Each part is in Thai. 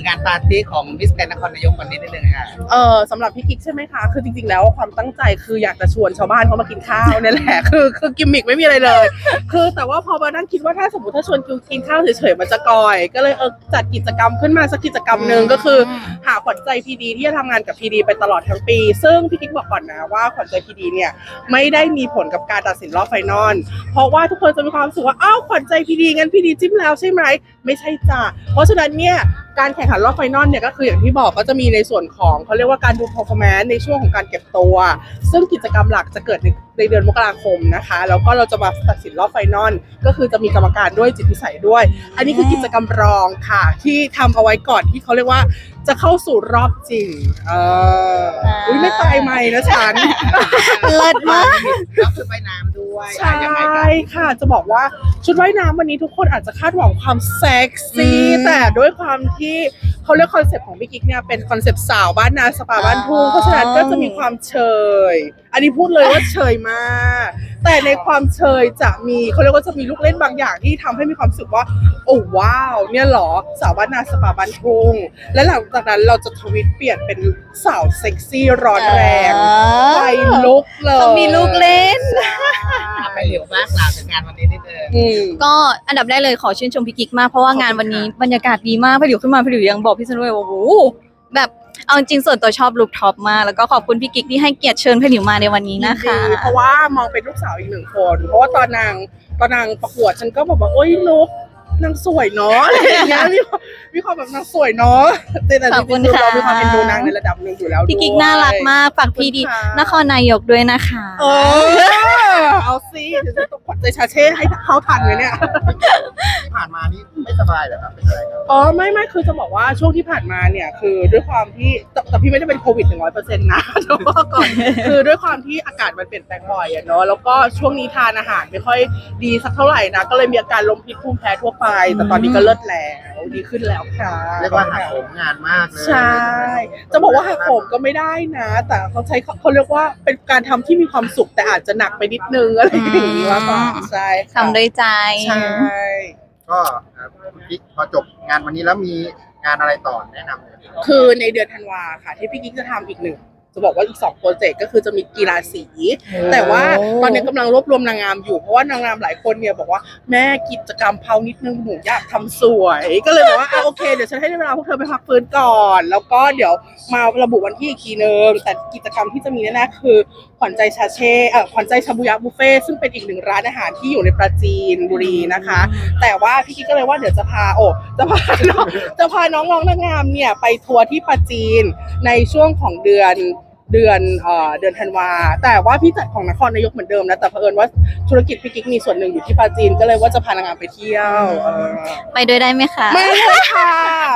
งานปาร์ตี้ของมิสแกรนด์นครนายกวันนี้นิดนึงค่ะสำหรับพี่กิ๊กใช่ไหมคะคือจริงๆแล้วความตั้งใจคืออยากจะชวนชาวบ้านเขามากินข้าวนี่แหละคือกิมมิกไม่มีอะไรเลยคือแต่ว่าพอมานั่งคิดว่าถ้าสมมติถ้าชวนกินข้าวเฉยๆมันจะกอยก็เลยจัดกิจกรรมขึ้นมาสักกิจกรรมหนึ่งก็คือหาขวัญใจพีดีที่จะทำงานกับพีดีไปตลอดทั้งปีซึ่งพี่กิ๊กบอกก่อนนะว่าขวัญใจพีดีเนี่ยไม่ได้มีผลกับการตัดสินรอบไฟนอลเพราะว่าทุกคนจะมีความรู้สึกว่าอ้าวขวัญใจพีดีงั้นพีดีจิ้มแล้วใช่ไหมไม่ใช่จ้ะเพราะฉะนั้นเนี่ยการแข่งขันรอบไฟนอลเนี่ยก็คืออย่างที่บอกก็จะมีในส่วนของเขาเรียกว่าการดู performance ในช่วงของการเก็บตัวซึ่งกิจกรรมหลักจะเกิดในเดือนมกราคมนะคะแล้วก็เราจะมาตัดสินรอบไฟนอลก็คือจะมีกรรมการด้วยจิตพิสัยด้วยอันนี้คือกิจกรรมรองค่ะที่ทำเอาไว้ก่อนที่เขาเรียกว่าจะเข้าสู่รอบจริงอุ้ยไม่ตายไหมนะฉันเลิศมากแล้วชุดว่ายน้ำด้วยใช่ค่ะจะบอกว่าชุดว่ายน้ำวันนี้ทุกคนอาจจะคาดหวังความเซ็กซี่แต่ด้วยความที่เขาเรียกคอนเซ็ปต์ของพี่กิ๊กเนี่ยเป็นคอนเซ็ปต์สาวบ้านนาสปาบ้านทุ่งเพราะฉะนั้นก็จะมีความเชยอันนี้พูดเลยว่าเชยมากแต่ในความเชยจะมีเขาเรียกว่าจะมีลูกเล่นบางอย่างที่ทำให้มีความรู้สึกว่าโอ้ว้าวเนี่ยหรอสาวบ้านนาสปาบ้านทุ่งและหลังจากนั้นเราจะทวิตเปลี่ยนเป็นสาวเซ็กซี่ร้อนแรงไฟลุกเลยต้องมีลูกเล่นไปเร็วมากกล่าวถึงงานวันนี้นิดนึงก็อันดับแรกเลยขอชื่นชมพี่กิ๊กมากเพราะว่างานวันนี้บรรยากาศดีมากพี่หลิวขึ้นมาพี่หลิวยังบอกพี่สนุยว่าโอ้โหแบบเอาจริงส่วนตัวชอบลุคท็อปมากแล้วก็ขอบคุณพี่กิ๊กที่ให้เกียรติเชิญพี่หลิวมาในวันนี้นะคะเพราะว่ามองเป็นลูกสาวอีกหนึ่งคนเพราะว่าตอนนางประกวดฉันก็บอกว่าโอ๊ยนุ๊กนางสวยเนาะอะไรอย่างเงี้ยมีความแบบนางสวยเนาะแต่จริงๆเรามีความเป็นดูนางในระดับหนึ่งอยู่แล้วพี่กิ๊กน่ารักมากฝากพี่ดีนครนายกด้วยนะคะเอาสิเดี๋ยวจะต้องขวัญใจชาเช่ให้เขาทันเลยเนี่ยที่ผ่านมานี่ไม่สบายเหรอครับเป็นอะไรครับไม่คือจะบอกว่าช่วงที่ผ่านมาเนี่ยคือด้วยความที่แต่พี่ไม่ได้เป็นโควิด100%นะแต่ว่าก่อนคือด้วยความที่อากาศมันเปลี่ยนแปลงบ่อยอะเนาะแล้วก็ช่วงนี้ทานอาหารไม่ค่อยดีสักเท่าไหร่นะก็เลยมีอาการลมพิษภูมิแพ้ทั่วไปแต่ตอนนี้ก็เลิศแล้วดีขึ้นแล้วค่ะเรียกว่าหักโหมงานมากเลยใช่จะบอกว่าหักโหมก็ไม่ได้นะแต่เขาเรียกว่าเป็นการทำที่มีความสุขแต่อาจจะหนักไปนิดนึงอะไรอย่างนี้ว่าก็ใช่ทำด้วยใจใช่ก็พี่พอจบงานวันนี้แล้วมีงานอะไรต่อแนะนำเลยคือในเดือนธันวาค่ะที่พี่กิ๊กจะทำอีกหนึ่งจะบอกว่าอีก2โปรเจกต์ก็คือจะมีกีฬาสีแต่ว่าตอนนี้กำลังรวบรวมนางงามอยู่เพราะว่านางงามหลายคนเนี่ยบอกว่าแม่กิจกรรมเพานิดนึงหนูอยากทำสวยก็เลยบอกว่าโอเคเดี๋ยวฉันให้เวลาพวกเธอไปพักฟื้นก่อนแล้วก็เดี๋ยวมาระบุวันที่อีกทีนึงแต่กิจกรรมที่จะมีแน่ๆคือขวัญใจชาเช่ขวัญใจชาบูยะบุฟเฟ่ซึ่งเป็นอีกหนึ่งร้านอาหารที่อยู่ในปราจีนบุรีนะคะแต่ว่าพี่กิ๊กก็เลยว่าเดี๋ยวจะพาน้องๆนางงามเนี่ยไปทัวร์ที่ปราจีนในช่วงของเดือนธันวาแต่ว่าพี่จัดของนครนายกเหมือนเดิมนะแต่เผอิญว่าธุรกิจพี่กิ๊กมีส่วนหนึ่งอยู่ที่ปราจีนก็เลยว่าจะพานางงามไปเที่ยวไปด้วยได้ไหมคะไม่เลยค่ะ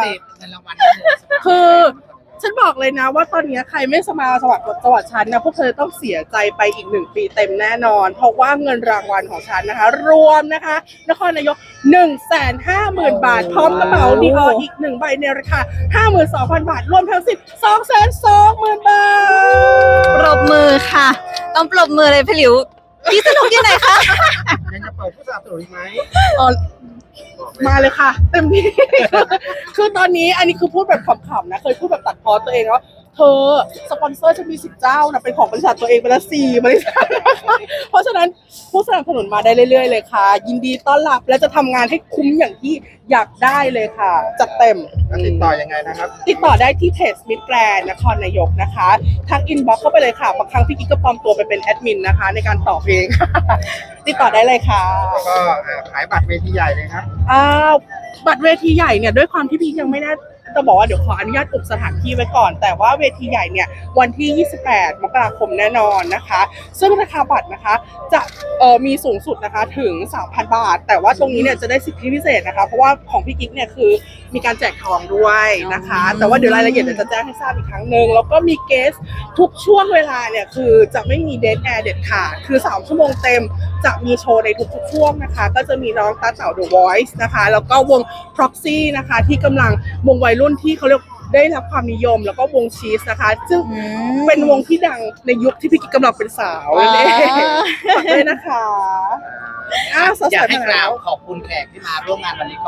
คือฉันบอกเลยนะว่าตอนนี้ใครไม่สมัครจังหวัดฉันนะพวกเธอต้องเสียใจไปอีก1 ปีเต็มแน่นอนเพราะว่าเงินรางวัลของฉันนะคะรวมนะคะนครนายก 150,000 บาทพร้อมกระเป๋าดีอออีก1 ใบในราคา 52,000 บาทรวมทั้งสิ้น 220,000 บาทปรบมือค่ะต้องปรบมือเลยพี่หลิวพี่สนุกยังไงคะยังจะเปิดผู้สนับสนุนไหมมาเลยค่ะเต็มที่คือตอนนี้อันนี้คือพูดแบบขำๆนะเคยพูดแบบตัดพ้อตัวเองว่าเธอสปอนเซอร์จะมี10 เจ้านะเป็นของบริษัทตัวเองไปละ4 บริษัทเพราะฉะนั้นผู้สนับสนุนมาได้เรื่อยๆเลยค่ะยินดีต้อนรับและจะทำงานให้คุ้มอย่างที่อยากได้เลยค่ะจัดเต็มติดต่อยังไงนะครับติดต่อได้ที่เพจมิตรแกรนด์นครนายกนะคะทักอินบ็อกซ์เข้าไปเลยค่ะบางครั้งพี่กิ๊กก็ปลอมตัวไปเป็นแอดมินนะคะในการตอบเองติดต่อได้เลยค่ะก็ขายบัตรเวทีใหญ่เลยครับบัตรเวทีใหญ่เนี่ยด้วยความที่พี่ยังไม่ได้จะบอกว่าเดี๋ยวขออนุญาตอุบสถานที่ไว้ก่อนแต่ว่าเวทีใหญ่เนี่ยวันที่28 มกราคมแน่นอนนะคะซึ่งราคาบัตรนะคะจะมีสูงสุดนะคะถึง 3,000 บาทแต่ว่าตรงนี้เนี่ยจะได้สิทธิพิเศษนะคะเพราะว่าของพี่กิ๊กเนี่ยคือมีการแจกทองด้วยนะคะแต่ว่าเดี๋ยวรายละเอียดเดี๋ยวจะแจ้งให้ทราบอีกครั้งนึงแล้วก็มีเกสทุกช่วงเวลาเนี่ยคือจะไม่มีเดทแอร์เด็ดขาดคือ3 ชั่วโมงเต็มจะมีโชว์ในทุกๆช่วงนะคะก็จะมีน้องตาเต่า The Voice นะคะแล้วก็วง Proxy นะคะที่กำลังวงวัยรุ่นที่เขาเรียกได้รับความนิยมแล้วก็วงชีสนะคะซึ่งเป็นวงที่ดังในยุคที่พี่กิ๊กกำลังเป็นสาวเลยฝากด้วยนะคะอยากให้กล่าวขอบคุณแขกที่มาร่วมงานวันนี้ก่อน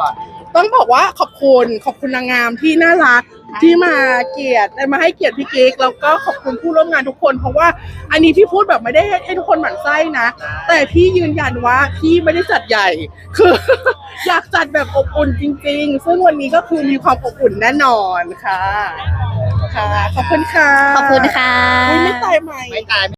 ต้องบอกว่าขอบคุณนางงามที่น่ารักที่มามาให้เกียรติพี่กิ๊กแล้วก็ขอบคุณผู้ร่วมงานทุกคนเพราะว่าอันนี้พี่พูดแบบไม่ได้ให้ทุกคนหมั่นไส้นะแต่พี่ยืนยันว่าพี่ไม่ได้จัดใหญ่คือ อยากจัดแบบอบอุ่นจริงๆซึ่งวันนี้ก็คือมีความอบอุ่นแน่นอนค่ะขอบคุณค่ะขอบคุณค่ะอุ๊ยไม่ตายไหมไม่ตาย